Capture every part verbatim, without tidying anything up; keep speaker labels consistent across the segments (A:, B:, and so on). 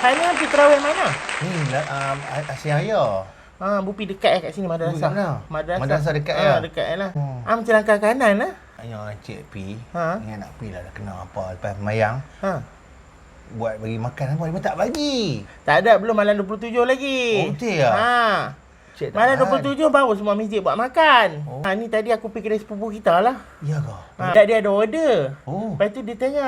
A: Hanya pergi terawih mana?
B: Ni um, Asyik Raya.
A: Ha, Bu pergi dekat eh kat sini madrasah.
B: Mana?
A: Madrasah.
B: Madrasah dekat
A: ha,
B: ya?
A: dekat lah.
B: Hmm.
A: Ah, macam langkah kanan lah.
B: Yang cik pi,
A: Ha?
B: ni nak pi lah dah kena apa lepas mayang.
A: Ha.
B: Buat bagi makan apa dia tak bagi.
A: Tak ada, belum malam dua puluh tujuh lagi.
B: Oh, betul ya?
A: Ha.
B: Cik tak
A: Malam
B: tahan.
A: dua puluh tujuh baru semua masjid buat makan.
B: Oh.
A: Ha, ni tadi aku pergi kedai sepupu kita lah.
B: Ya ke?
A: Ha. Tak, dia ada order.
B: Oh.
A: Lepas tu dia tanya,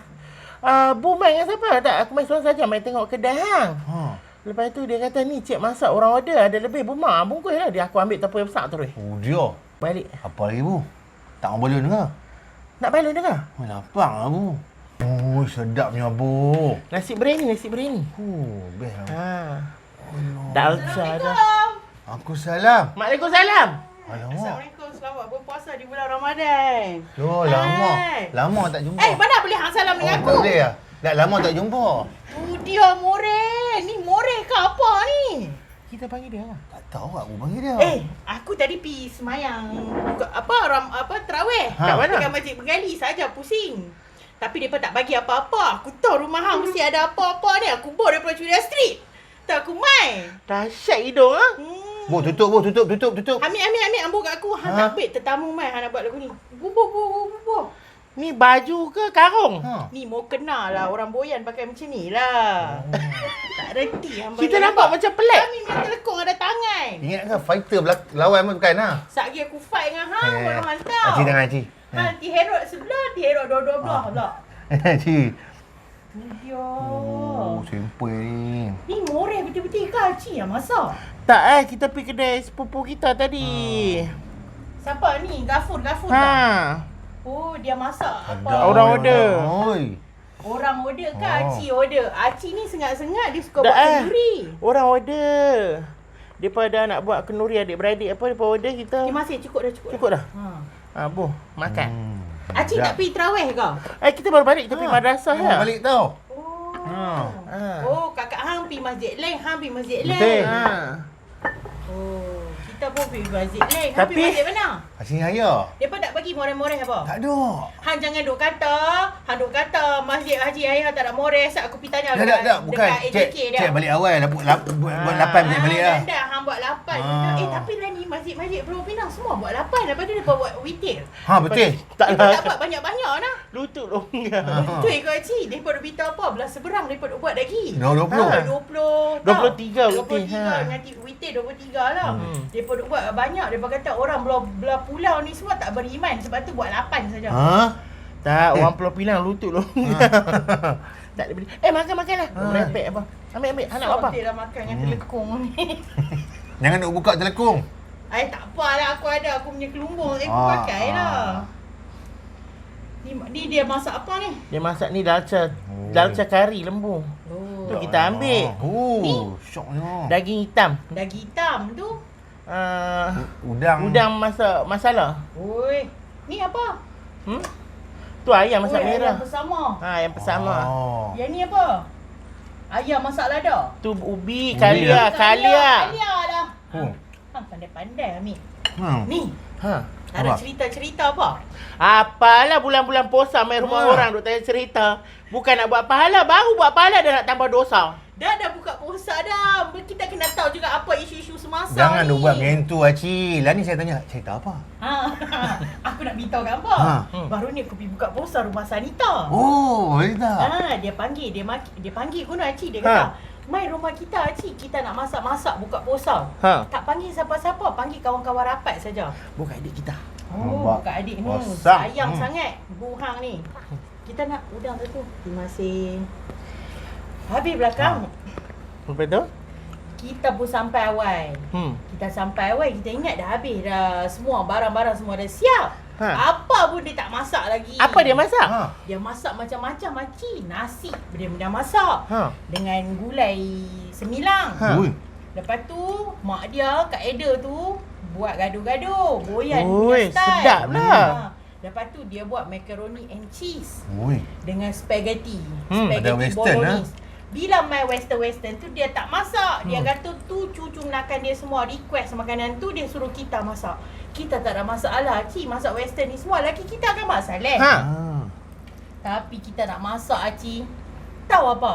A: ah, Bu main dengan siapa? Tak, aku main seorang saja, main tengok kedai hang.
B: Ha.
A: Lepas tu dia kata, ni cik masak orang order, ada lebih. Bu mak, bungkus lah. Dia aku ambil tepung yang besar terus.
B: Oh dia.
A: Balik.
B: Apa lagi bu? Tak mau balon ke?
A: Nak balik dengar?
B: Oh, lapang lah bu. Oh, sedapnya bu.
A: Nasi biryani, nasi biryani.
B: Oh, best lah.
A: Ha.
B: Allah.
A: Dalca dah.
B: Aku salam.
A: Waalaikumsalam.
B: Alamak.
C: Assalamualaikum, selamat berpuasa di bulan Ramadan.
B: Yo, lama.
C: Hai.
B: Lama tak jumpa.
C: Eh, mana boleh hang salam dengan
B: Oh,
C: aku?
B: tak boleh lah. Dah lama tak jumpa.
C: Tu dia more. Ni more ke apa ni?
A: Kita panggil dia lah.
B: Tak tahu aku panggil dia.
C: Eh, aku tadi pi semayang buka- apa ram apa tarawih.
B: Ha.
A: Kat mana?
C: Dekat Masjid Bengali saja pusing. Tapi depa tak bagi apa-apa. Aku tahu rumah hang mesti ada apa-apa ni. Aku bawa daripada Curia Street. Tak aku mai.
A: Dahsyat hidung ah.
C: Hmm.
B: Bu, tutup bu, tutup, tutup, tutup.
C: Ambil, ambil, ambil. Ambil kat aku. Hang
B: Ha?
C: tak ambil tetamu mai. Hang nak buat lagu ni. Bubuh, bubuh, bubuh.
A: Ni baju ke karung?
B: Ha.
C: Ni mau kenal lah orang boyan pakai macam ni lah. Tak reti hang
A: Kita
C: bayar
A: nampak
C: apa.
A: macam pelik.
C: Kami punya telekong ada tangan.
B: Ingat ke fighter belak lawan pun bukan lah.
C: Satgi aku fight dengan hang
B: Eh,
C: baru hang tahu.
B: Cik tangan cik.
C: Ha, ti herod sebelah, ti herod dua-dua belah
B: Ah.
C: pula.
B: Cik.
C: Tu dia.
B: Oh, simple ni.
C: Ni moreh betul-betul ke Cik yang masak?
A: Tak eh, kita pergi kedai sepupu kita tadi.
C: Siapa ni? Gafur, Gafur
A: Ha.
C: tak? Oh, dia masak apa?
A: Orang order.
B: Oi.
C: Orang order ke
B: Oh.
C: Acik order? Acik ni sengat-sengat dia suka
A: Tak
C: buat
A: eh.
C: kenduri.
A: Orang order. Daripada nak buat kenduri adik-beradik apa, daripada order kita.
C: Ni masih cukup dah, cukup,
A: Cukup dah?
C: Ha.
A: Ha, Bu, makan.
B: Hmm.
C: Acik tak pergi terawih ke?
A: Eh, kita baru balik, kita pergi
B: Ha.
A: madrasah
B: Oh,
A: ya.
B: balik tau.
C: Oh.
B: Ha.
A: Ha.
C: Oh, kakak hang pergi masjid lain, hang pergi masjid lain.
B: Betul.
A: Ha.
C: Oh, kita pun pergi masjid lain. Hang
A: Tapi-
C: pergi masjid mana?
B: Asyik Raya.
C: Depa tak bagi moreh-moreh apa?
B: Tak ada.
C: Hang jangan duk kata, hang duk kata Masjid Haji Ayah tak ada moreh. Sat aku pergi tanya
B: Dah, dah, dah. Bukan.
C: dekat A J
B: Cek,
C: K dia.
B: cek balik awal. Buat, lap, buat, buat
A: Ah.
B: lapan je balik lah.
C: Dah, dah, hang buat lapan.
B: Ah.
C: Eh, tapi lah ni masjid-masjid Pulau Pinang semua buat lapan. Lepas tu depa buat witir.
B: Ha, betul.
A: Tak
C: Depa
A: lah.
C: tak buat banyak-banyak nah.
A: Lutut longgar.
B: Ha.
C: Betul ke Cik? Depa duk beritahu apa? Belah seberang depa duk buat lagi.
B: Dah dua puluh.
A: Ha.
C: dua puluh
A: dua puluh tiga
C: dua puluh
A: witir,
C: tiga
A: ha.
C: nanti witir dua puluh tiga lah.
A: Hmm.
C: Depa duk buat banyak. Depa kata orang belah, belah pulau ni semua tak beriman sebab tu buat lapan saja.
B: Ha?
A: Tak,
B: Eh.
A: orang Pulau Pinang lutut longgar. Tak ada beli. Eh, makan-makan lah.
B: Ha.
A: Merepek apa. Ambil, ambil. Anak apa?
C: Sortir lah makan dengan
B: Hmm.
C: telekong ni.
B: Jangan nak buka telekung.
C: Ay, tak apalah, aku ada aku punya kelumbung. Eh, aku
B: Ah,
C: pakai
B: ah.
C: lah. Ni, ni dia masak apa ni?
A: Dia masak ni dalca.
B: Oh.
A: Dalca kari lembu.
C: Oh.
A: Tu kita ambil.
B: Oh,
C: Ni.
B: syoknya.
A: Daging hitam.
C: Daging hitam tu.
A: Uh,
B: Udang.
A: udang masak masala.
C: Oi. Ni apa?
A: Hmm? Tu ayam masak
C: Oi,
A: merah.
C: ayam bersama.
A: Ha, yang bersama.
B: Oh.
C: Yang ni apa? Ayam masak lada.
A: Tu ubi,
B: Ubi
A: kalia, kalia.
C: Kalia lah.
B: Oh.
C: Hang pandai-pandai ambil.
B: Hmm.
C: Ni,
A: Ha.
C: tak ada
B: Apa?
C: cerita-cerita apa?
A: Apalah bulan-bulan puasa main rumah
B: Ha.
A: orang duk tanya cerita. Bukan nak buat pahala, baru buat pahala dah nak tambah dosa.
C: Dah dah buka puasa dah. Kita kena tahu juga apa isu-isu semasa
B: Jangan
C: ni.
B: duk buat macam tu, Acik. Lah ni saya tanya, cerita apa?
C: Ha. Aku nak beritahu kat apa?
B: Ha.
A: Hmm.
C: Baru ni aku pergi buka puasa rumah Sanita.
B: Oh, cerita.
C: Ah, dia panggil, dia maki, dia panggil guna Acik, dia
A: Ha.
C: kata, "Mai rumah kita Acik, kita nak masak-masak buka puasa."
A: Ha.
C: Tak panggil siapa-siapa, panggil kawan-kawan rapat saja.
A: Bukan adik kita.
C: Oh,
B: Nampak.
C: bukan adik ni.
B: Wasang.
C: Sayang
B: Hmm.
C: sangat Bu Hang ni. Kita nak udang satu. Terima kasih. Habis belakang.
A: Lepas tu?
C: Kita pun sampai awal.
A: Hmm.
C: Kita sampai awal, kita ingat dah habis dah. Semua barang-barang semua dah siap.
A: Ha.
C: Apa pun dia tak masak lagi.
A: Apa dia masak?
B: Ha.
C: Dia masak macam-macam makcik. Nasi dia dah masak.
A: Ha.
C: Dengan gulai semilang.
A: Ha.
B: Ui.
C: Lepas tu, mak dia, Kak Eda tu, buat gaduh-gaduh. Boyan
A: Oi,
C: punya style.
A: sedap lah.
C: Ha. Lepas tu, dia buat macaroni and cheese.
B: Ui.
C: Dengan spaghetti.
A: Hmm,
C: Spaghetti
B: ada western,
C: bolognese. Bila main western-western tu, dia tak masak. Dia
B: Hmm.
C: kata tu cucu menakan dia semua. Request makanan tu, dia suruh kita masak. Kita tak ada masalah. Cik, masak western ni semua. Laki kita akan masak leh.
A: Ha.
B: Ha.
C: Tapi kita nak masak, Acik. Tahu apa?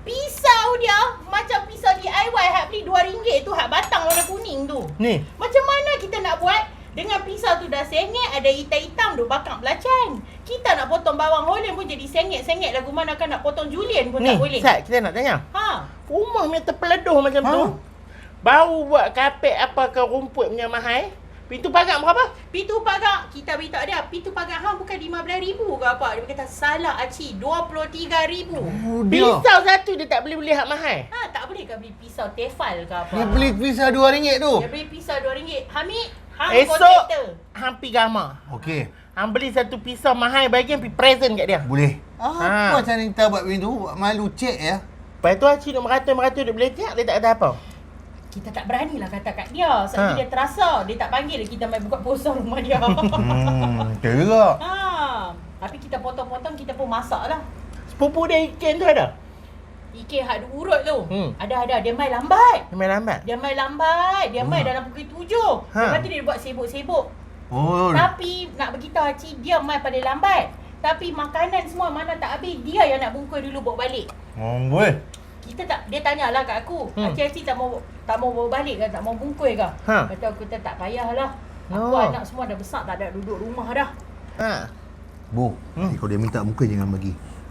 C: Pisau dia macam pisau D I Y hak beli dua ringgit tu, hak batang warna kuning tu.
A: Ni.
C: Macam mana kita nak buat? Dengan pisau tu dah sengit, ada hitam-hitam duk bakar belacan. Kita nak potong bawang holen pun jadi sengit-sengit lagu mana kan nak potong julienne pun
A: Ni,
C: tak boleh.
A: Sat, kita nak tanya.
C: Ha.
A: Rumah punya terpeleduh macam
B: Ha?
A: tu. Baru buat kapek apa ke rumput punya mahal. Pintu pagar berapa?
C: Pintu pagar, kita beritahu dia, pintu pagar hang bukan lima belas ribu ke apa. Dia kata salah Acik, dua puluh tiga ribu.
B: Oh, dia.
A: Pisau satu dia tak boleh beli hak mahal.
C: Ha, tak boleh ke beli pisau tefal ke apa?
B: Dia beli pisau dua ringgit tu.
C: Dia beli pisau dua ringgit. Hamid, hang
A: Esok
C: kontraktor.
A: hang pi gamar.
B: Okey.
A: Hang beli satu pisau mahal bagian pi present kat dia.
B: Boleh.
A: Ha.
B: Apa cara kita buat macam tu? Malu cek ya.
A: Lepas tu Acik duk meratus-meratus duk beletak, dia tak kata apa.
C: Kita tak beranilah kata kat dia. Sebab
A: Ha.
C: dia terasa. Dia tak panggil kita main buka puasa rumah dia.
B: Hmm, betul juga.
C: ha. Tapi kita potong-potong, kita pun masak lah.
A: Sepupu dia ikan tu ada.
C: Ikan hak duk urut tu.
A: Hmm.
C: Ada-ada. Dia main lambat.
A: Dia main lambat.
C: Dia main lambat. Dia main
B: Hmm.
C: dalam pukul tujuh.
A: Ha.
C: Lepas tu dia buat sibuk-sibuk.
B: Oh.
C: Tapi nak beritahu Acik, dia main pada lambat. Tapi makanan semua mana tak habis, dia yang nak bungkus dulu bawa balik.
B: Oh, boleh.
C: Kita tak, dia tanyalah kat aku,
A: Hmm.
C: hmm. Acik-acik tak mau tak mau bawa balik ke, tak mau bungkus ke?
A: Ha.
C: Kata aku kata tak payahlah. Aku
A: Oh.
C: anak semua dah besar, tak ada duduk rumah dah.
A: Ha.
B: Bu,
A: Hmm.
B: hmm. kalau dia minta muka jangan bagi.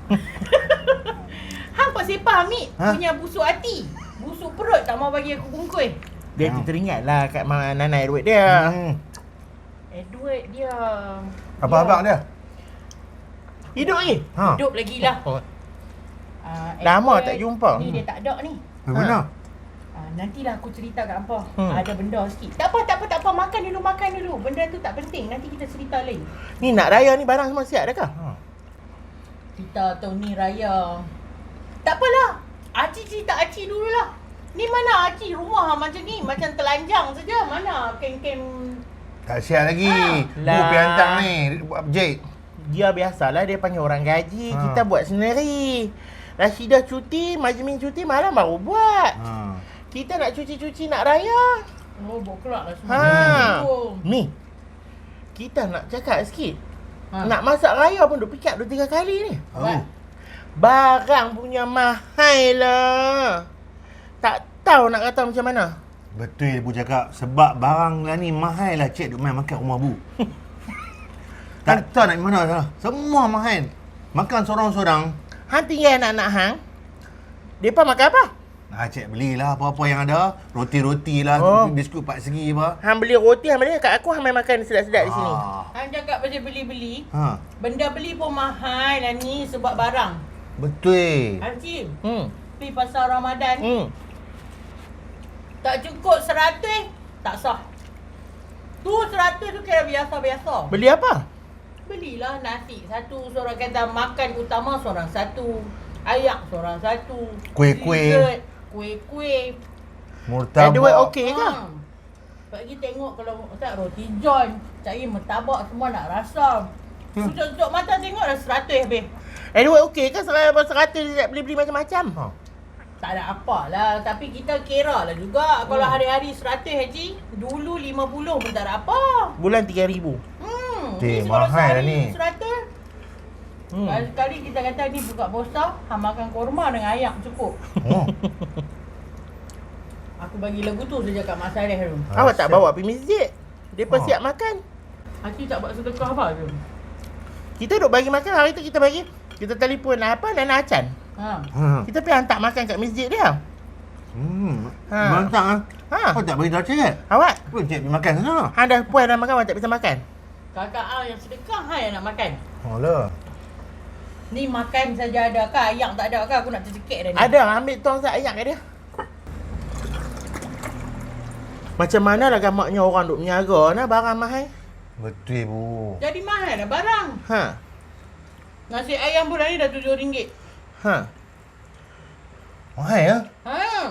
C: Hang pak sepah Amik,
B: Ha?
C: punya busuk hati. Busuk perut tak mau bagi aku bungkus.
A: Dia
B: Hmm.
A: teringatlah kat mak Nanai duit dia.
B: Hmm.
C: Edward dia.
B: Apa abang dia?
A: Hidup lagi?
B: Ha.
C: Hidup lagi lah.
A: Oh.
C: Uh,
A: Lama tak jumpa.
C: Ni dia tak ada ni.
B: Mana?
C: Uh, nantilah aku cerita kat hampa.
A: Hmm.
C: Hmm. Ada benda sikit. Tak apa, tak apa, tak apa. Makan dulu, makan dulu. Benda tu tak penting. Nanti kita cerita lain.
A: Ni nak raya ni barang semua siap dah kah?
B: Ha.
C: Kita tahun ni raya. Tak apalah. Acik cerita Acik dululah. Ni mana Acik rumah macam ni? Macam telanjang saja. Mana kem-kem.
B: Tak siap lagi.
C: Ha.
B: Bu
A: Lah.
B: pergi hantar ni. Buat objek.
A: Dia biasalah dia panggil orang gaji.
B: Ha.
A: Kita buat sendiri. Rashidah cuti, Majmin cuti, malam baru buat.
B: Ha.
A: Kita nak cuci-cuci nak raya.
C: Oh, bawa kelak lah semua.
A: Ha.
C: Oh.
A: Ni. Kita nak cakap sikit.
C: Ha.
A: Nak masak raya pun duk pikat dua tiga kali ni.
B: Oh.
A: Barang punya mahal lah. Tak tahu nak kata macam mana.
B: Betul Bu cakap. Sebab barang lah ni mahal lah cik duk main makan rumah Bu. Tak tahu nak pergi mana dah. Semua mahal. Makan sorang-sorang.
A: Hang tinggal anak-anak hang. Depa makan apa?
B: Ah, cik belilah apa-apa yang ada. Roti-roti lah,
A: Oh.
B: biskut empat segi apa.
A: Hang beli roti, hang beli kat aku, hang main makan sedap-sedap di sini.
B: Ah.
C: Hang cakap pasal beli-beli.
B: Ha.
C: Benda beli pun mahal lah ni sebab barang.
B: Betul.
C: Hakim,
A: Hmm.
C: pergi pasar Ramadan.
A: Hmm.
C: Tak cukup seratus, tak sah. Tu seratus tu kira biasa-biasa.
A: Beli apa?
C: Belilah nasi satu, seorang kata makan utama seorang satu, ayak seorang satu,
B: Kuih-kuih.
C: dessert, kuih-kuih.
B: Murtabak.
A: Edward okey ke?
C: Ha. Bagi tengok kalau tak roti john, cari martabak semua nak rasa.
B: Hmm.
C: Tutup mata tengok dah seratus habis.
A: Edward okey ke? Seratus seratus dia nak beli-beli macam-macam.
B: Ha.
C: Tak ada apa lah. Tapi kita kira lah juga. Kalau hari-hari seratus haji, dulu lima puluh pun tak ada apa.
A: Bulan tiga ribu.
C: Hmm.
B: Cik,
C: ni
B: mahal
C: sehari
B: lah ni.
C: seratus.
A: Hmm.
C: Sekali kita kata ni buka puasa, hang makan korma dengan ayam cukup.
B: Oh.
C: Aku bagi lagu tu saja kat Mak Saleh tu.
A: Awak tak bawa pergi masjid. Depa
B: Ha.
A: siap makan.
C: Hati tak buat sedekah apa tu.
A: Kita duk bagi makan, hari tu kita bagi. Kita telefon apa Nana Acan.
C: Ha.
B: Ha.
A: Kita pergi hantar makan kat masjid dia.
B: Hmm.
A: Ha.
B: Ha. Mantap ah.
A: Ha.
B: Kau tak bagi tahu cik?
A: Awak,
B: Pun cik pergi makan sana.
A: hang dah puas dah makan, awak tak bisa makan.
C: Kakak ah yang sedekah ha yang nak makan.
B: Oh lah.
C: Ni makan saja ada ke? Ayam tak ada ke? Aku nak tercekik dah ni.
A: Ada, ambil tong sak ayak kat dia. Macam mana lah gamaknya orang duk meniaga nah barang mahal.
B: Betul Bu.
C: Jadi mahal dah barang.
A: Ha.
C: Nasi ayam bulan ni dah tujuh ringgit.
A: Ha.
B: Mahal ya?
C: Ha.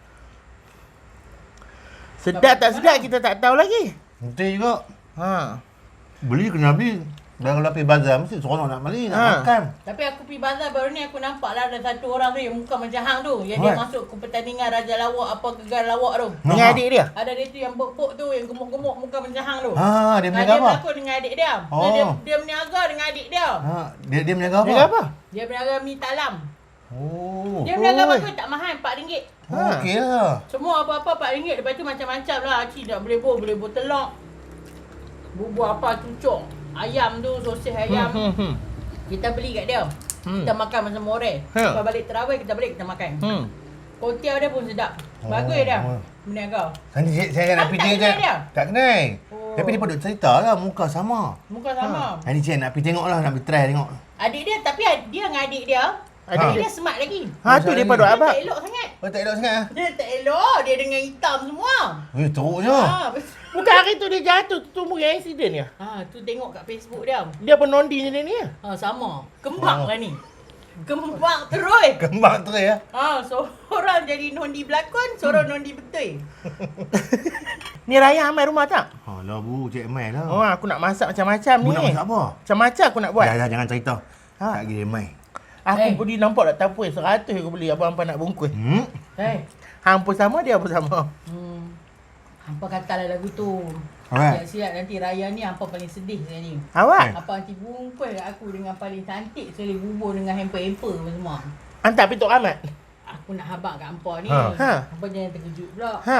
A: Sedap tak sedap kita tak tahu lagi.
B: Betul juga.
A: Ha.
B: Beli kena beli. Dan kalau pergi bazar mesti seronok nak beli, nak
A: Ha.
B: makan.
C: Tapi aku pergi bazar baru ni aku nampak lah ada satu orang tu yang muka macam hang tu. Yang dia
B: Alright.
C: masuk ke pertandingan Raja Lawak apa gegar lawak tu.
A: Dengan
B: Ha.
A: adik dia.
C: Ada dia tu yang bok-bok tu yang gemuk-gemuk muka macam hang tu.
B: Ha, dia
C: Ah,
B: berniaga
C: dia
B: apa?
C: berlakon dengan adik dia.
B: Oh.
C: Dia, dia berniaga dengan adik dia.
B: Ha, dia dia berniaga apa?
A: Dia apa?
C: Dia berniaga mi talam.
B: Oh.
C: Dia berniaga
A: Oi.
C: bagus tak mahal, empat ringgit.
B: Oh, okey lah.
C: Semua apa-apa empat ringgit. Lepas tu macam-macam lah. Cik nak boleh buh, boleh buh telok. Bubur apa, cucuk. Ayam tu, sosis ayam.
A: Hmm, hmm, hmm.
C: Kita beli kat dia.
A: Hmm.
C: Kita makan masa more.
A: Ha.
C: Lepas balik terawih, kita balik, kita makan.
A: Hmm.
C: Kuotiao dia pun sedap. Bagus
B: Oh,
C: dia.
B: oh.
C: Berniaga.
B: Nanti saya, saya nak
C: Ah,
B: pergi
C: tak
B: tengok
C: kenal dia?
B: Tak kenal.
C: Oh.
B: Tapi dia pun duk cerita lah, muka sama.
C: Muka sama.
B: Nanti saya nak pergi tengok lah, nak pergi try tengok.
C: Adik dia, tapi ad- dia dengan adik dia,
A: Adik
C: adik
A: dia.
C: dia smart lagi.
A: Ha tu dia pada
C: Dia
A: abang.
C: tak elok sangat.
B: Oh, tak elok sangat lah.
C: Dia tak elok. Dia dengan hitam semua.
B: Eh, teruknya.
C: Ha, betul.
A: Bukan hari tu dia jatuh, tu mungkin accident ya.
C: Ha, tu tengok kat Facebook dia.
A: Dia penondi ni ni.
C: Ha, sama. Kembang
B: Oh.
C: lah ni. Kembang terus.
B: Kembang terus ya.
C: Ha, seorang jadi nondi berlakon, seorang nondi betul.
A: Ni Raya amai rumah tak?
B: Alah bu, Cik Mai lah.
A: Oh, aku nak masak macam-macam
B: Bu
A: ni.
B: nak masak apa?
A: Macam-macam aku nak buat.
B: Dah, dah, jangan cerita.
A: Ha.
B: Tak kira Mai.
A: Aku
C: Eh.
A: pergi nampak tak tapui seratus aku beli abang Ampa nak bungkus.
B: Hmm?
C: Eh.
A: Hang pun sama, dia pun sama.
C: Hmm. Hampa katalah lagu tu.
B: Alright.
C: Siap-siap nanti Raya ni Hampa paling sedih saya ni.
A: Awak?
C: Hampa nanti bungkus kat aku dengan paling cantik sekali bubur dengan hamper-hamper semua.
A: Hantar pintu amat.
C: Aku nak habaq kat Hampa ni.
B: Ha.
A: Ha.
C: Hampa jangan terkejut pula.
A: Ha.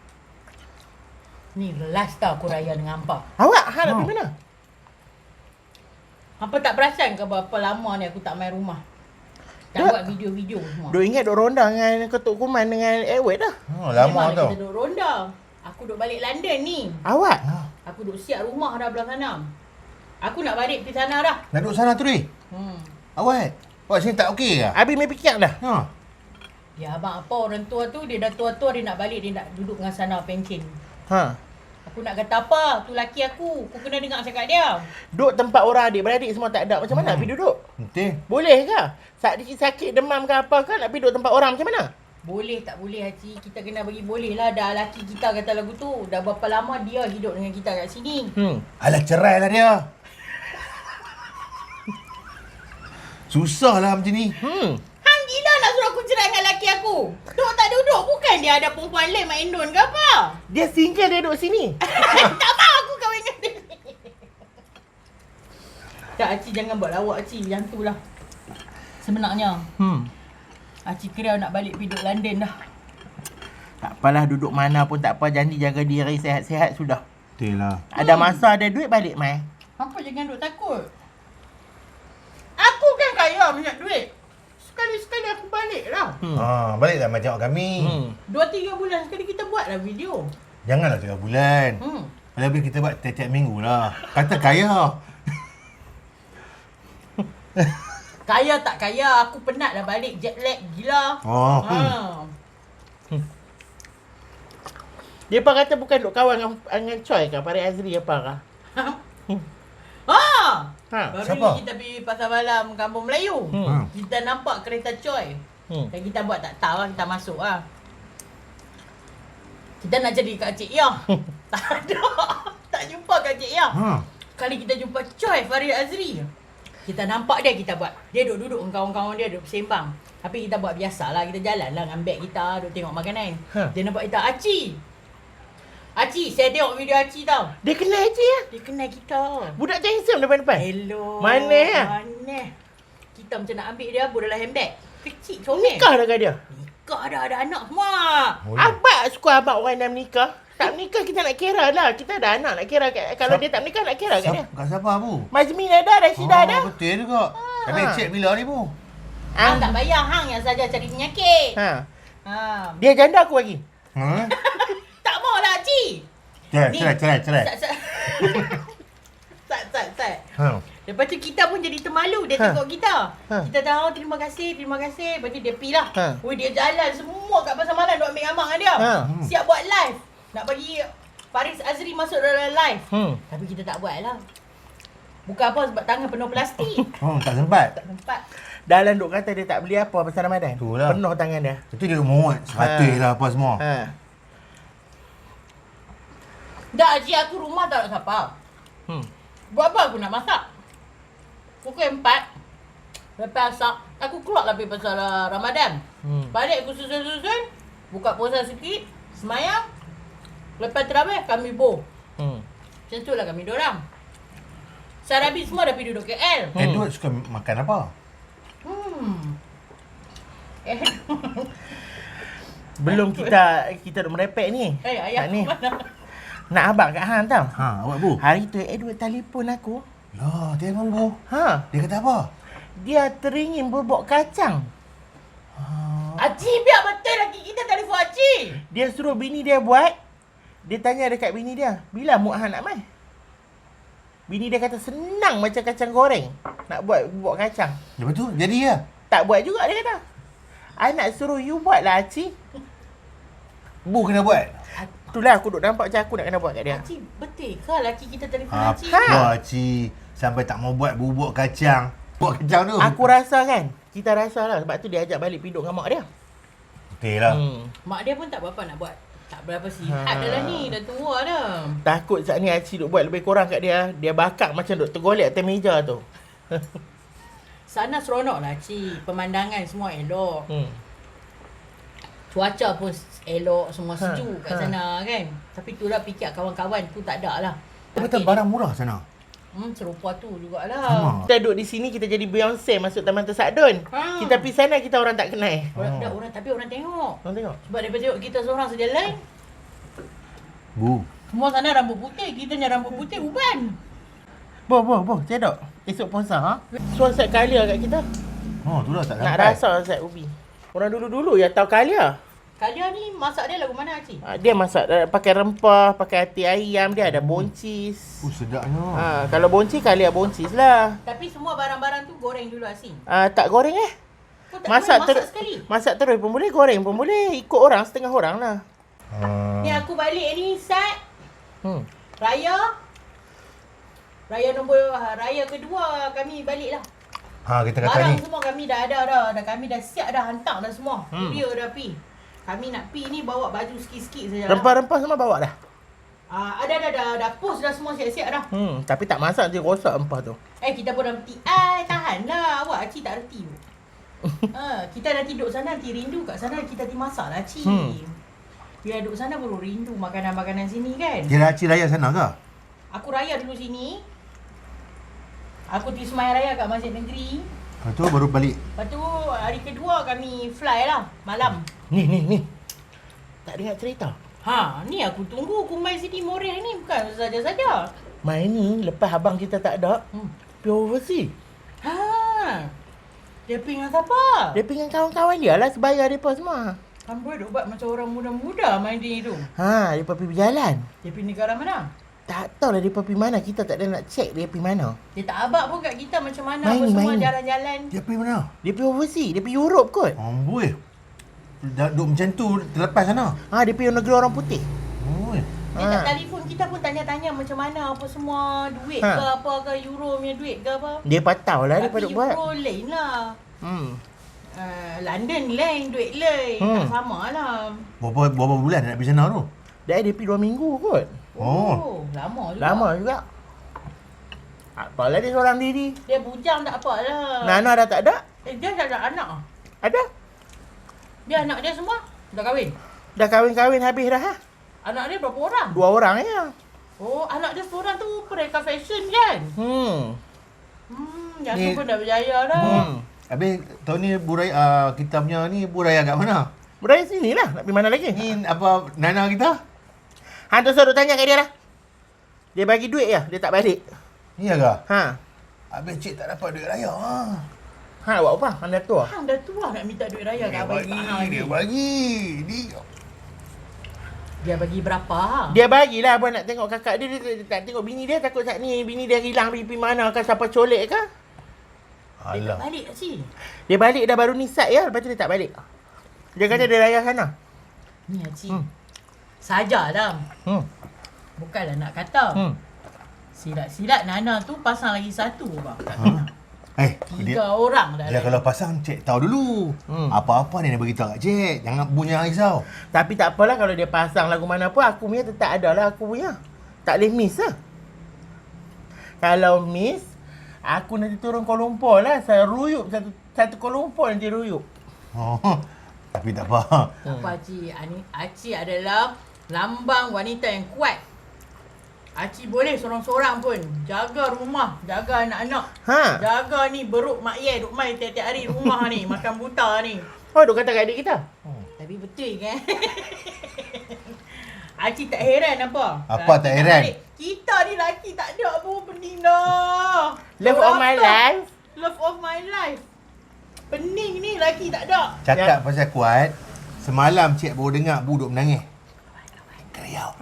C: Ni last tau aku Raya dengan Hampa.
A: Awak hang nak
B: Ha.
A: pergi mana?
C: Hampa tak perasan ke berapa lama ni aku tak main rumah. Tak
A: Duk.
C: buat video-video semua.
A: Duk ingat duk ronda dengan Ketuk Kuman dengan Edward dah.
B: Oh, lama
C: Memang
B: tau.
C: kita duduk ronda. Aku duduk balik London ni.
A: Awak?
C: Aku duduk siap rumah dah belah sana. Aku nak balik pergi sana dah.
B: Nak duduk sana tu ni?
C: Hmm.
B: Awak? Awak sini tak okey ke?
A: Habis main fikir dah.
B: Ha.
C: Ya abang apa orang tua tu dia dah tua-tua dia nak balik dia nak duduk dengan sana pencen.
A: Ha.
C: Aku nak kata apa? Tu laki aku. Aku kena dengar cakap dia.
A: Duduk tempat orang adik-beradik semua tak ada. Macam mana
B: Hmm.
A: nak pergi duduk?
B: Penting.
A: Boleh ke? Sakit sakit demam ke apa ke nak pergi duduk tempat orang macam mana?
C: Boleh tak boleh Haji? Kita kena bagi boleh lah. Dah laki kita kata lagu tu. Dah berapa lama dia hidup dengan kita kat sini.
A: Hmm.
B: Alah, cerai lah dia. Susah lah macam ni.
A: Hmm.
C: Hang gila nak suruh aku cerai dengan laki aku. Duduk tak duduk. Bukan dia ada perempuan lain main don ke apa?
A: Dia single dia duduk sini.
C: Tak mahu aku kahwin dengan dia. Tak, Acik jangan buat lawak Acik. Yang tu lah. Sebenarnya,
A: Hmm.
C: Acik kira nak balik pergi duduk London dah.
A: Tak apalah duduk mana pun tak apa. Janji jaga diri sihat-sihat sudah.
B: Betul lah.
A: Ada masa ada duit balik mai.
C: Apa jangan duk takut. Aku kan kaya banyak duit. Sekali-sekali aku balik lah.
A: Hmm.
B: Ha, baliklah macam tengok kami.
A: Hmm.
C: Dua tiga bulan sekali kita buat lah video.
B: Janganlah tiga bulan.
C: Hmm.
B: Lebih kita buat tiap-tiap minggu lah. Kata kaya.
C: Kaya tak kaya, aku penat dah balik jet lag gila.
B: Oh.
C: Ha.
A: Dia apa kata bukan duk kawan dengan, dengan Choi ke? Farid Azri apa ke?
C: Ha.
A: Ha.
C: Baru
B: Siapa?
C: ni kita pergi pasar malam Kampung Melayu.
A: Hmm.
C: Kita nampak kereta Choi.
A: Hmm.
C: Dan kita buat tak tahu lah, kita masuk lah. Kita nak jadi Kak Cik Yah. Tak ada. Tak jumpa Kak Cik Yah.
B: Ha.
C: Kali kita jumpa Choi Farid Azri. Kita nampak dia, kita buat. Dia duduk-duduk dengan kawan-kawan dia, duduk bersembang. Tapi kita buat biasalah, kita jalan lah dengan beg kita, duduk tengok makanan.
A: Ha.
C: Dia nampak kita, Aci. Aci, saya tengok video Aci tau.
A: Dia kenal je ya?
C: Dia kenal kita.
A: Budak tu handsome depan-depan.
C: Hello.
A: Mana ya?
C: Mana? Kita macam nak ambil dia, buat dalam handbag. Kecil, comel.
A: Nikah dah ke dia?
C: Nikah dah, ada anak semua.
B: Oh,
A: Abang suka abang orang yang menikah. Tak menikah kita nak kira lah. Kita ada anak nak kira. kat- Kalau
B: Siap-
A: dia tak menikah nak kira kat dia.
B: Siapa, kat siapa bu?
A: Mazmin ada, Rashidah
B: Oh,
A: ada.
B: betul juga. Habis cek bila ni bu?
C: Hang tak bayar, hang yang saja cari penyakit.
A: Ha.
C: Ha.
A: Dia janda aku lagi.
B: Ha?
C: Tak mau lah, Cik.
B: Cerai,
C: Ni.
B: cerai, cerai, cerai.
C: Sat, sat. Sat, sat, sat.
B: Ha.
C: Lepas tu kita pun jadi termalu. Dia
A: Ha.
C: tengok kita.
A: Ha.
C: Kita tahu terima kasih, terima kasih. Lepas tu dia pergi lah.
A: Ha.
C: Ui, dia jalan semua kat pasar malam duk ambil gambar dengan dia.
A: Ha.
B: Hmm.
C: Siap buat live. Nak bagi Faris Azri masuk dalam live.
A: Hmm.
C: Tapi kita tak buat lah. Bukan apa sebab tangan penuh plastik.
B: Oh, tak sempat.
C: Tak sempat.
A: Dalam duk kata dia tak beli apa pasal Ramadan.
B: Itulah.
A: Penuh tangan dia.
B: Itu dia duk muat. Seratus lah apa semua.
A: Ha.
C: Dah, Haji, aku rumah tak nak siapa.
A: Hmm.
C: Buat apa aku nak masak? Pukul empat. Lepas asap, aku keluar lah pergi pasal uh, Ramadan.
A: Hmm.
C: Balik aku susun-susun. Buka puasa sikit. Semayang. Lepas terawih, kami boh.
A: Hmm.
C: Macam tu lah kami dorang. Sarabi semua dah pergi duduk K L.
A: Hmm.
B: Edward suka makan apa?
C: Hmm. Eh,
A: Belum kita kita duk merepek ni.
C: eh ayah
A: Tak ni.
C: mana?
A: Nak abang kat hang tau.
B: Ha, awak Bu.
A: Hari tu Edward telefon aku.
B: Lah, telefon Bu.
A: Ha,
B: Dia kata apa?
A: dia teringin bubuk kacang.
B: Ha.
C: Acik, biar betul lagi kita telefon Acik.
A: Dia suruh bini dia buat. Dia tanya dekat bini dia, bila Muak Han nak mai? Bini dia kata senang macam kacang goreng. Nak buat bubuk kacang.
B: Lepas tu, jadi ya?
A: Tak buat juga dia kata. I nak suruh you buat lah Acik.
B: Bu kena buat.
A: Itulah aku duk nampak macam aku nak kena buat kat dia.
C: Acik, betul ke laki kita telefon
B: Apa
C: Acik?
A: Ha.
B: Cik? Sampai tak mau buat bubuk kacang. Bubuk kacang tu.
A: Aku rasa kan, kita rasa lah sebab tu dia ajak balik piduk dengan mak dia.
B: Betul lah.
A: Hmm.
C: Mak dia pun tak berapa nak buat. Tak berapa sihat
A: Ha.
C: dah lah ni. Dah tua dah.
A: Takut saat ni Acik duk buat lebih kurang kat dia. Dia bakar macam duk tergolek atas meja tu.
C: Sana seronok lah Acik. Pemandangan semua elok.
A: Hmm.
C: Cuaca pun elok. Semua
A: Ha,
C: sejuk kat
A: ha.
C: sana kan. Tapi tu lah fikir kawan-kawan tu tak ada lah.
B: Betul barang murah sana.
C: Hmm, serupa tu jugalah.
B: Sama.
A: Kita duduk di sini, kita jadi Beyonce masuk Taman Tersadun.
C: Ha.
A: Kita pergi sana, kita orang tak kenal.
C: Orang,
B: Oh.
C: dah, orang, tapi orang tengok.
A: Orang tengok.
C: Sebab daripada tengok kita seorang sejalan.
B: Bu.
C: Semua sana rambut putih. Kita punya rambut putih uban.
A: Boh, boh, boh. Cedok. Esok puasa, ha? Suan set Kalia kat kita.
B: Oh, tu lah tak
A: Nak
B: sampai.
A: rasa set ubi. Orang dulu-dulu ya tahu Kalia.
C: Kalia ni masak dia lagu mana Acik?
A: Ha, dia masak uh, pakai rempah, pakai hati ayam, dia ada boncis.
B: Oh, sedapnya.
A: Ha, kalau boncis, Kalia boncis lah.
C: Tapi semua barang-barang tu goreng dulu Asin.
A: Uh, tak goreng eh?
C: Kau tak
A: Masak,
C: masak,
A: ter-
C: masak sekali.
A: masak terus pun boleh, goreng pun boleh. Ikut orang, setengah orang lah.
B: Ha.
C: Ni aku balik ni Sat.
A: Hmm.
C: Raya. Raya nombor raya kedua kami balik lah.
B: Ha, kita kata
C: Barang
B: ni.
C: semua kami dah ada dah. Dah kami dah siap dah, hantar dah semua.
A: Hmm.
C: Dia dah pi. Kami nak pi ni bawa baju sikit-sikit saja.
A: Rempah-rempah semua bawa dah.
C: Ah, ada dah dah dah post dah semua siap-siap dah.
A: Hmm, tapi tak masak nanti rosak rempah tu.
C: Eh kita pun dah reti. Ai tahanlah awak Acik tak reti. ha, kita dah tidur sana nanti rindu kat sana kita nanti masak lah Acik.
A: Hmm.
C: Biar duduk sana baru rindu makanan-makanan sini kan.
B: Kira Acik raya sana ke?
C: Aku raya dulu sini. Aku pergi semayang raya kat Masjid Negeri.
B: Lepas tu baru balik.
C: Lepas tu hari kedua kami fly lah malam.
A: Ni, ni, ni. Tak dengar cerita.
C: Ha, ni aku tunggu Kumai Siti Moreh ni bukan saja-saja.
A: Main ni, lepas abang kita tak ada,
C: Hmm.
A: pergi overseas.
C: Ha. Dia pergi dengan siapa?
A: Dia pergi dengan kawan-kawan dia lah, sebaya mereka semua.
C: Amboi duk buat macam orang muda-muda main di tu.
A: Ha, mereka pergi berjalan.
C: Dia pergi negara mana?
A: Tak tahu lah mereka pergi mana, kita tak ada nak check dia pergi mana.
C: Dia tak abak pun kat kita macam mana
A: Main
C: apa
A: ni,
C: semua
A: main ni.
C: jalan-jalan.
B: Dia pergi mana?
A: Dia pergi overseas, dia pergi Europe kot.
B: Amboi. Dah duduk macam tu terlepas sana.
A: Ha, dia pergi negeri orang putih.
B: Oi.
C: Dia
A: Ha.
C: tak telefon kita pun tanya-tanya macam mana apa semua duit
A: Ha.
C: ke apa ke euro punya duit ke apa.
A: Dia patau lah dia
C: Tapi
A: pada buat.
C: euro lain lah.
A: Hmm.
C: Uh, London lain, duit lain.
A: Hmm.
C: Tak sama lah.
B: Berapa berapa bulan nak pergi sana tu?
A: Dia dia pergi dua minggu kot.
B: Oh.
C: Lama juga.
A: Lama juga. Apalah dia seorang diri.
C: Dia bujang tak apa lah.
A: Nana dah tak ada?
C: Eh, dia dah ada anak.
A: Ada.
C: Dia anak dia semua dah kahwin.
A: Dah kahwin-kahwin habis dah ha?
C: Anak dia berapa orang?
A: Dua orang ya.
C: Oh, anak dia seorang tu Pereka Fashion kan?
A: Hmm.
C: Hmm, yang
B: Ni-
C: tu pun dah berjaya dah.
A: Hmm.
B: Habis tahun ni buraya uh, kita punya ni buraya kat mana?
A: Beraya sini lah. Nak pergi mana lagi?
B: Ni apa Nana kita?
A: Hantu suruh tanya kat dia lah. Dia bagi duit ya, dia tak balik.
B: Iya ke?
A: Ha.
B: Habis cik tak dapat duit raya. Ha.
A: Ha, buat apa? Anda tua.
C: Hang dah tua nak minta duit raya kat
B: Dia
C: abang
B: bagi,
C: Hang
B: dia
C: ni.
B: bagi. Dia
C: Dia bagi berapa?
A: Dia bagilah abang nak tengok kakak dia, dia, dia tak tengok bini dia, takut saat ni bini dia hilang pergi pergi mana kan, siapa colek ke?
C: Dia tak
B: Alah.
C: balik tak si?
A: Dia balik dah baru nisat ya, lepas tu dia tak balik. Dia kata dia raya sana.
C: Ni Haji.
A: Hmm.
C: Saja dah.
A: Hmm.
C: Bukanlah nak kata.
A: Hmm.
C: Silat-silat Nana tu pasang lagi satu bang.
B: Ha? Eh,
C: Tiga
B: dia,
C: orang dah.
B: dia kalau pasang cik tahu dulu.
A: Hmm.
B: Apa-apa dia nak beritahu kat cik. Jangan punya risau.
A: Tapi tak apalah kalau dia pasang lagu mana pun, aku punya tetap ada lah aku punya. Tak boleh miss lah. Kalau miss, aku nanti turun Kuala Lumpur lah. Saya ruyup satu satu Kuala Lumpur nanti ruyup.
B: Oh, tapi tak apa.
C: Tak apa Haji. Ani- Haji adalah lambang wanita yang kuat. Acik boleh seorang-seorang pun. Jaga rumah, jaga anak-anak.
A: Ha.
C: Jaga ni beruk mak ye duk main tiap-tiap hari rumah ni, makan buta ni.
A: Oh, duk kata kat adik kita.
C: Tapi betul kan? Acik tak heran apa?
B: Apa tak
C: Kita
B: heran?
C: balik, kita ni lelaki tak ada apa pening dah.
A: Love of my
C: Apa?
A: life.
C: Love of my life. Pening ni lelaki tak ada.
B: Cakap pasal kuat, semalam cik baru dengar Bu duk menangis. Keriau.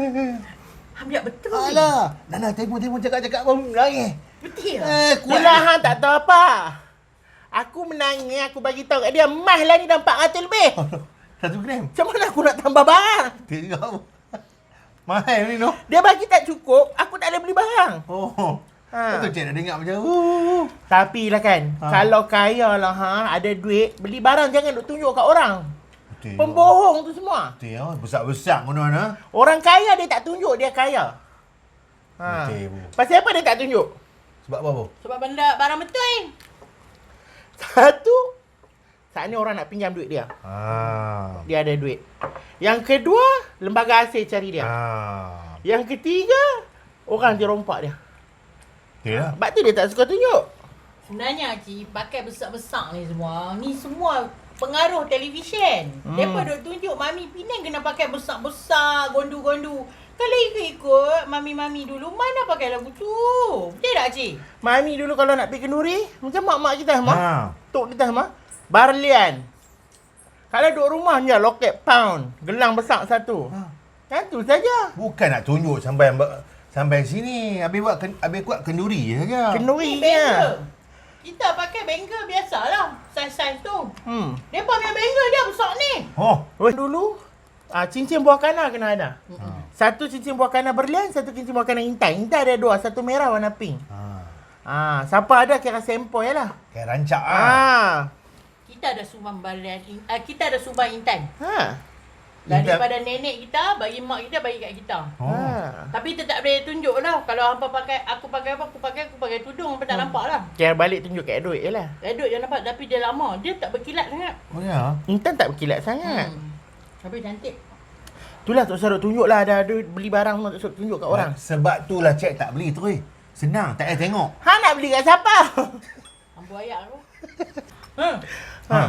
C: Ambil betul.
B: Alah, Nana telefon-telefon cakap-cakap baru menangis.
C: Betul.
B: Eh, kuat.
A: Yelah, hang tak tahu apa. Aku menangis, aku bagi tahu kat dia, emas lah ni dah empat ratus lebih.
B: Satu gram.
A: Macam mana aku nak tambah barang?
B: Tengok. Mahal ni no.
A: Dia bagi tak cukup, aku tak boleh beli barang.
B: Oh.
A: Ha.
B: Betul cik nak dengar macam uh.
A: Tapi lah kan,
B: Ha.
A: kalau kaya lah ha, ada duit, beli barang jangan duk tunjuk kat orang.
B: Betul.
A: Pembohong tu semua.
B: Betul oh. Besar-besar mana-mana.
A: Orang kaya dia tak tunjuk dia kaya. Ha.
B: Betul, Bu.
A: Pasal apa dia tak tunjuk?
B: Sebab apa Bu?
C: Sebab benda barang betul.
A: Satu, saat ni orang nak pinjam duit dia.
B: Ah.
A: Dia ada duit. Yang kedua, lembaga asing cari dia.
B: Ah.
A: Yang ketiga, orang dia rompak dia.
B: Betul lah.
A: Sebab tu dia tak suka tunjuk.
C: Sebenarnya Cik, pakai besar-besar ni semua, ni semua pengaruh televisyen.
A: Hmm.
C: Hmm. Mereka duk tunjuk Mami Penang kena pakai besar-besar, gondu-gondu. Kalau ikut-ikut Mami-Mami dulu, mana pakai lagu tu? Betul tak Cik?
A: Mami dulu kalau nak pergi kenduri, macam mak-mak kita mah.
B: Ha.
A: Tok kita mah. Barlian. Kalau duduk rumah je, loket pound. Gelang besar satu.
B: Ha.
A: Kan tu saja.
B: Bukan nak tunjuk sampai sampai sini. Habis buat ken, habis kuat kenduri saja.
A: Kenduri
C: Ni
A: je.
C: bangle. Kita pakai bangle biasalah. Saiz-saiz tu.
A: Hmm.
C: Mereka punya bangle dia besar ni.
B: Oh.
A: Weh, dulu, ah, cincin buah kana kena ada.
B: Ha.
A: Satu cincin buah kana berlian, satu cincin buah kana intai. Intai ada dua, satu merah warna pink.
B: Ha.
A: Ah, siapa ada kira sempoi lah.
B: Kayak rancak ah.
A: Ah.
C: Kita ada sumbang barian, uh, kita ada sumbang intan.
A: Ha.
C: Dan
B: Intan.
C: daripada nenek kita, bagi mak kita, bagi kat kita.
B: Oh.
A: Ha.
C: Tapi kita tak boleh tunjuk lah. Kalau hampa pakai, aku pakai apa, aku pakai, aku pakai tudung, hampa tak nampak lah.
A: Kira balik tunjuk kat duit je lah.
C: Redut je nampak, tapi dia lama. Dia tak berkilat sangat.
B: Oh ya.
A: Intan tak berkilat sangat.
C: Hmm. Tapi cantik.
A: Itulah tak usah duk tunjuk lah. Ada duit beli barang semua tak usah tunjuk kat orang.
B: Sebab tu lah cik tak beli terus. Senang, tak payah tengok.
A: Ha nak beli kat siapa?
C: Ambu ayak aku. Hmm.
A: Ha.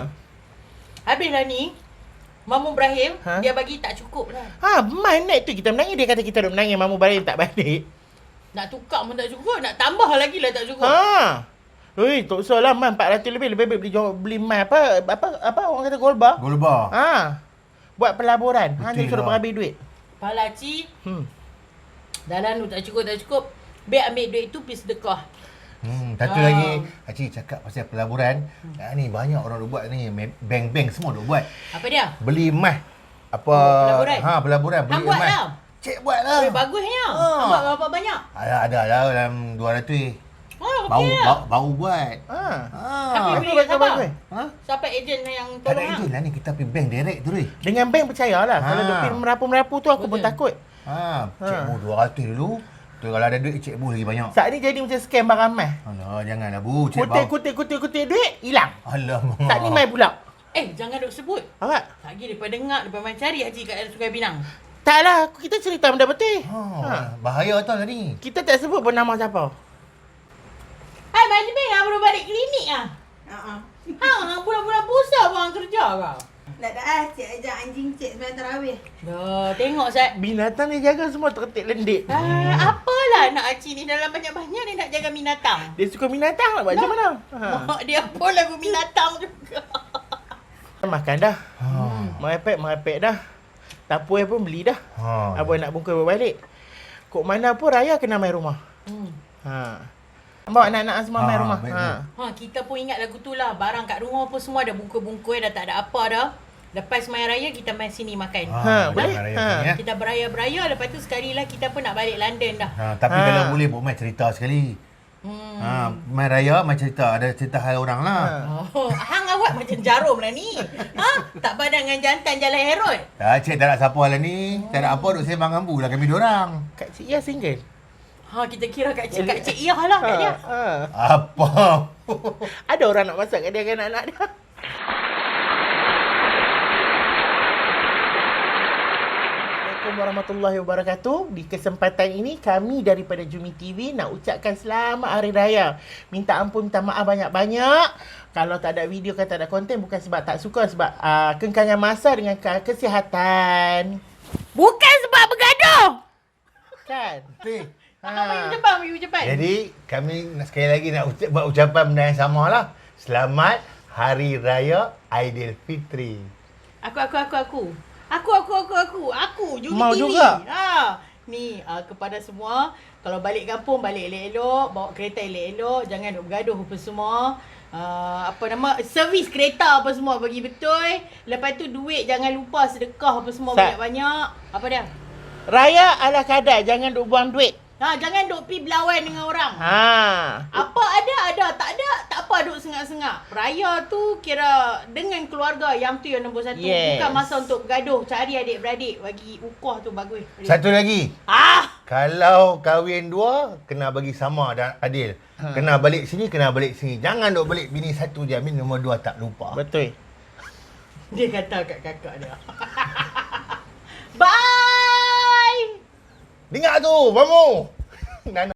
C: Habislah ni, Mamu Ibrahim,
A: Ha?
C: dia bagi tak cukup lah.
A: Ha, main naik tu kita menangis. Dia kata kita duk menangis. Mamu balik tak balik.
C: Nak tukar pun tak cukup, nak tambah lagi lah tak cukup.
A: Ha. Ui, tak usah lah man. empat ratus lebih. Lebih baik beli, beli mai apa, apa, apa orang kata gold bar.
B: Gold bar.
A: Ha. Buat pelaburan. Ha, dia
B: Betul
A: suruh
B: lah.
A: berhabis duit.
C: Pala Cik,
A: Hmm.
C: dalam tu tak cukup, tak cukup. Biar ambil duit tu, pergi sedekah.
B: Hmm, satu
C: Ah.
B: lagi, Acik cakap pasal pelaburan. Hmm. Ah, ni banyak orang duk buat ni. Me- Bank-bank semua duk buat.
C: Apa dia?
B: Beli emas. Apa?
C: Oh, pelaburan?
B: Ha, pelaburan. Beli
C: Hang buat
B: emas.
C: lah.
B: Cik buat lah.
C: Eh, bagusnya.
B: Ah.
C: Hang buat berapa banyak?
B: Ada, ada lah dalam dua ratus.
C: Oh,
B: Baru,
C: okey lah.
B: baru, baru buat.
A: Ha.
B: Ha.
C: Tapi
A: Apa
C: beli kat
A: bagus,
C: siapa?
A: bagus?
B: Ha?
C: Siapa ejen yang
B: Tak ada
C: tolong hang?
B: ejen lah ni. Kita pergi bank direct tu ni.
A: Dengan bank percayalah.
B: Ha.
A: Kalau duk pergi merapu-merapu tu aku pun
C: Betul.
A: takut.
B: Ha,
A: Ha.
B: cik bu dua ratus dulu. Tu kalau ada duit cik bu lagi banyak.
A: Saat ni jadi macam scam barang emas.
B: Alah, janganlah bu. Cik
A: Kutip,
B: bau.
A: kutip, kutip, kutip duit, hilang.
B: Alamak.
A: Saat ni main pula.
C: Eh, jangan duk sebut.
A: Awak?
C: Lagi daripada dengar, daripada main cari Haji kat Sungai Pinang.
A: Tak lah, kita cerita benda betul.
B: Ha,
A: Ha.
B: bahaya tau tadi.
A: Kita tak sebut pun nama siapa.
C: Hai, Mak Jemil, hang baru balik klinik ah?
D: Ha-ha.
C: Hang, hang bulan-bulan puasa pun hang kerja kau?
D: Tak ada ah, cik ajak anjing cik sembahyang tarawih.
C: Dah, tengok Zat.
A: Binatang dia jaga semua terketik lendik.
C: Ah, apalah nak Acik ni dalam banyak-banyak dia nak jaga binatang.
A: Dia suka binatang nak buat macam mana? Ha.
C: Mak dia pun lagu binatang juga.
A: Makan dah.
B: Ha.
A: Merepek, merepek dah. Tapuai pun beli dah.
B: Ha.
A: Abang nak bungkus berbalik. Kok mana pun raya kena main rumah.
C: Hmm.
A: Ha. Bawa anak-anak semua
B: Ha,
A: main rumah.
B: baik,
A: Ha.
C: Ha, kita pun ingat lagu tu lah. Barang kat rumah pun semua dah bungkus-bungkus, dah tak ada apa dah. Lepas main raya, kita main sini makan.
B: Ha,
A: Ha,
B: jangan
A: boleh?
B: raya
A: Ha.
B: sini, ya.
C: Kita beraya-beraya, lepas tu sekali lah kita pun nak balik London dah.
B: Ha, tapi
A: Ha.
B: kalau boleh buat main cerita sekali.
C: Hmm.
B: Ha, main raya main cerita. Ada cerita hal orang lah.
A: Ha.
C: Oh, hang awak macam jarum lah ni. Ha? Tak padan dengan jantan Jalan Herod.
B: Tak, cik tak nak siapa lah ni. Tak nak apa duk sembang ambu lah kami dorang.
A: Kak Cik Ia single.
C: Ha, kita kira kat cik, kat cik Iyah lah kat dia.
A: Ha.
B: Apa?
A: Ada orang nak masak kat dia dengan anak-anak dia. Assalamualaikum warahmatullahi wabarakatuh. Di kesempatan ini kami daripada Jumi T V nak ucapkan selamat Hari Raya. Minta ampun, minta maaf banyak-banyak. Kalau tak ada video, kan tak ada konten, bukan sebab tak suka, sebab uh, kengkangan masa dengan ke- kesihatan.
C: Bukan sebab bergaduh.
A: Kan?
B: Betul.
C: Abang bagi ucapan, bagi ucapan.
B: Jadi kami nak- sekali lagi nak ucap, buat ucapan benda yang sama lah. Selamat Hari Raya Aidilfitri.
C: Aku, aku, aku, aku. Aku, aku, aku, aku. Aku, Jumi
A: Mau
C: T V.
A: juga?
C: Ha. Ni, uh, kepada semua, kalau balik kampung, balik elok-elok. Bawa kereta elok-elok. Jangan duk bergaduh apa semua. Uh, apa nama, servis kereta apa semua bagi betul. Lepas tu duit jangan lupa sedekah apa semua
A: Sa-
C: banyak-banyak. Apa dia?
A: Raya ala kadar, jangan duk buang duit.
C: Ha, jangan duk pi berlawan dengan orang.
A: Ha.
C: Apa ada, ada. Tak ada, tak apa duk sengak-sengak. Raya tu kira dengan keluarga, yang tu yang nombor satu.
A: Yes.
C: Bukan masa untuk bergaduh. Cari adik-beradik. Bagi ukah tu bagus.
B: Satu lagi.
C: Ah!
B: Kalau kahwin dua, kena bagi sama dan adil.
A: Ha.
B: Kena balik sini, kena balik sini. Jangan duk balik bini satu je, bini nombor dua tak lupa.
A: Betul.
C: Dia kata kat kakak dia. Bye!
B: Dengar tu, Mamu.